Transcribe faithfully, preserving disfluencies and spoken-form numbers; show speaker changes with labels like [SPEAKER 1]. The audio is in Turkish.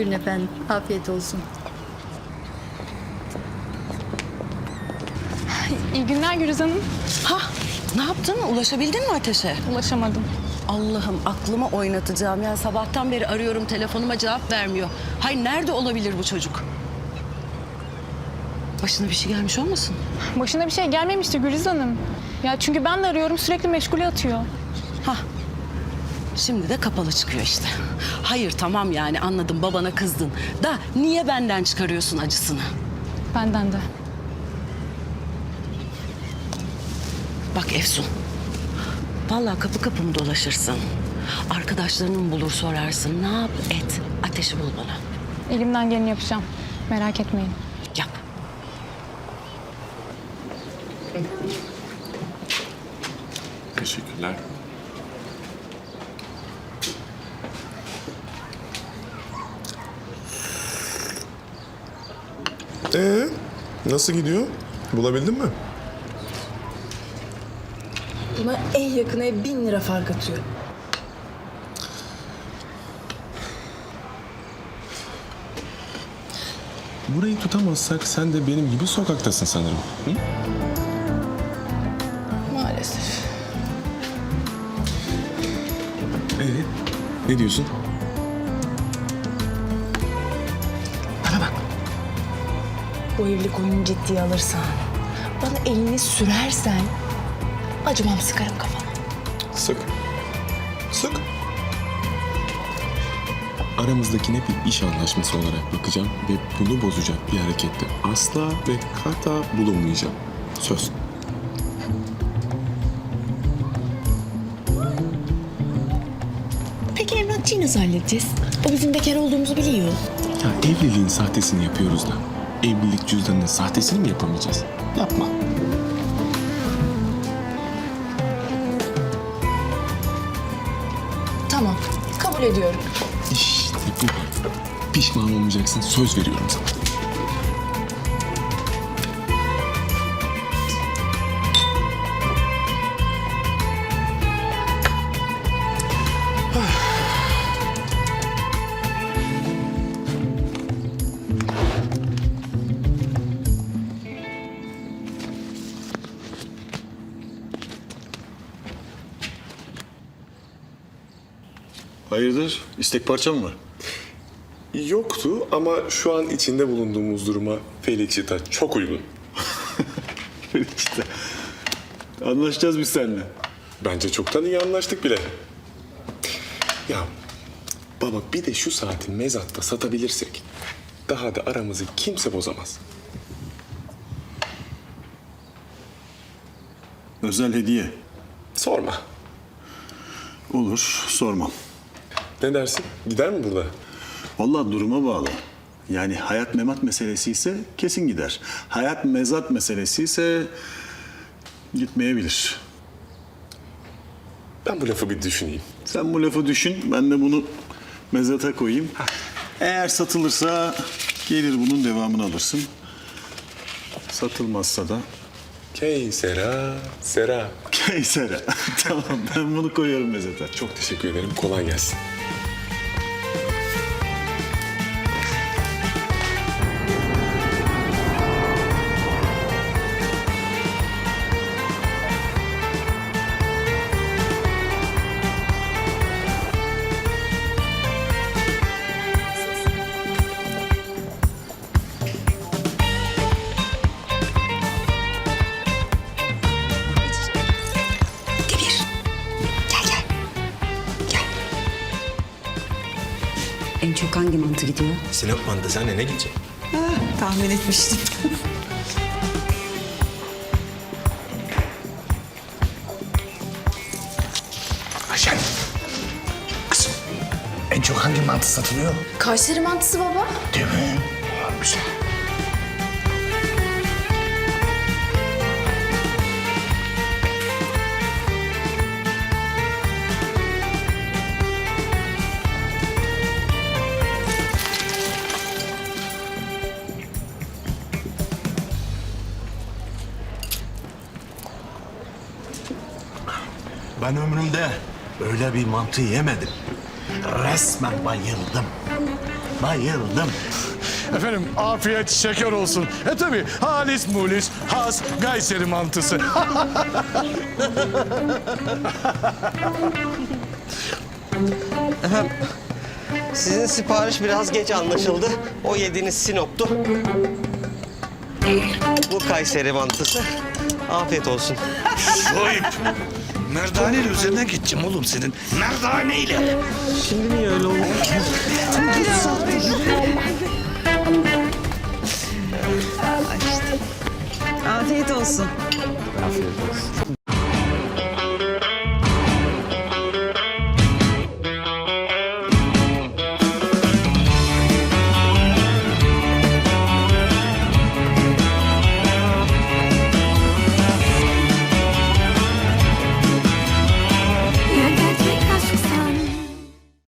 [SPEAKER 1] Buyurun efendim. Afiyet olsun.
[SPEAKER 2] İyi günler Gürüz Hanım.
[SPEAKER 3] Ha, ne yaptın? Ulaşabildin mi Ateş'e?
[SPEAKER 2] Ulaşamadım.
[SPEAKER 3] Allah'ım aklımı oynatacağım. Yani sabahtan beri arıyorum, telefonuma cevap vermiyor. Hay nerede olabilir bu çocuk? Başına bir şey gelmiş olmasın?
[SPEAKER 2] Başına bir şey gelmemişti Gürüz Hanım. Ya çünkü ben de arıyorum, sürekli meşgule atıyor.
[SPEAKER 3] Hah. Şimdi de kapalı çıkıyor işte. Hayır tamam yani anladım, babana kızdın. Da niye benden çıkarıyorsun acısını?
[SPEAKER 2] Benden de.
[SPEAKER 3] Bak Efsun. Vallahi kapı kapı mı dolaşırsın? Arkadaşlarını mı bulur sorarsın? Ne yap et? Ateşi bul bana.
[SPEAKER 2] Elimden geleni yapacağım. Merak etmeyin.
[SPEAKER 3] Yap.
[SPEAKER 4] Teşekkürler.
[SPEAKER 5] Ee, nasıl gidiyor? Bulabildin mi?
[SPEAKER 6] Buna en yakın ev bin lira fark atıyor.
[SPEAKER 5] Burayı tutamazsak sen de benim gibi sokaktasın sanırım. Hı?
[SPEAKER 6] Maalesef.
[SPEAKER 5] Ee, ne diyorsun?
[SPEAKER 6] Bana bak. Bu evlilik oyunu ciddiye alırsan, bana elini sürersen acımam, sıkarım kafana.
[SPEAKER 5] Sık. Sık. Aramızdakine bir iş anlaşması olarak bakacağım ve bunu bozacak bir harekette asla ve kata bulunmayacağım. Söz.
[SPEAKER 6] Peki emlakçıyı nasıl halledeceğiz? O bizim bekar olduğumuzu biliyor.
[SPEAKER 5] Ya evliliğin sahtesini yapıyoruz da evlilik cüzdanının sahtesini mi yapamayacağız? Yapma.
[SPEAKER 6] Tamam, kabul ediyorum.
[SPEAKER 5] İşte bu. Pişman olmayacaksın. Söz veriyorum sana.
[SPEAKER 4] Hayırdır? İstek parça mı var?
[SPEAKER 5] Yoktu ama şu an içinde bulunduğumuz duruma Felixita çok uygun.
[SPEAKER 4] işte. Anlaşacağız biz seninle.
[SPEAKER 5] Bence çoktan iyi anlaştık bile. Ya baba bir de şu saati mezatta satabilirsek daha da aramızı kimse bozamaz.
[SPEAKER 4] Özel hediye.
[SPEAKER 5] Sorma.
[SPEAKER 4] Olur, sormam.
[SPEAKER 5] Ne dersin? Gider mi burada?
[SPEAKER 4] Vallahi duruma bağlı. Yani hayat memat meselesi ise kesin gider. Hayat mezat meselesi ise gitmeyebilir.
[SPEAKER 5] Ben bu lafı bir düşüneyim.
[SPEAKER 4] Sen bu lafı düşün, ben de bunu mezata koyayım. Eğer satılırsa gelir bunun devamını alırsın. Satılmazsa da
[SPEAKER 5] Key sera sera.
[SPEAKER 4] Keysere. Tamam, ben bunu koyuyorum mezata.
[SPEAKER 5] Çok teşekkür ederim. Kolay gelsin.
[SPEAKER 7] En çok hangi mantı gidiyor?
[SPEAKER 8] Sinop mantısı anne, ne gidecek?
[SPEAKER 7] Tahmin etmiştim.
[SPEAKER 8] Ayşen. Kızım. En çok hangi mantı satılıyor?
[SPEAKER 6] Kayseri mantısı baba.
[SPEAKER 8] Değil mi? Aa, güzel. Ben ömrümde öyle bir mantı yemedim. Resmen bayıldım.
[SPEAKER 4] Bayıldım.
[SPEAKER 1] Efendim afiyet şeker olsun. E tabi halis mulis has Kayseri mantısı.
[SPEAKER 9] Sizin sipariş biraz geç anlaşıldı. O yediğiniz Sinop'tu. Bu Kayseri mantısı. Afiyet olsun.
[SPEAKER 8] Şuayb. Merdaneyle üzerinden geçeceğim oğlum senin. Merdaneyle.
[SPEAKER 9] Şimdi niye öyle oldu?
[SPEAKER 7] Afiyet olsun.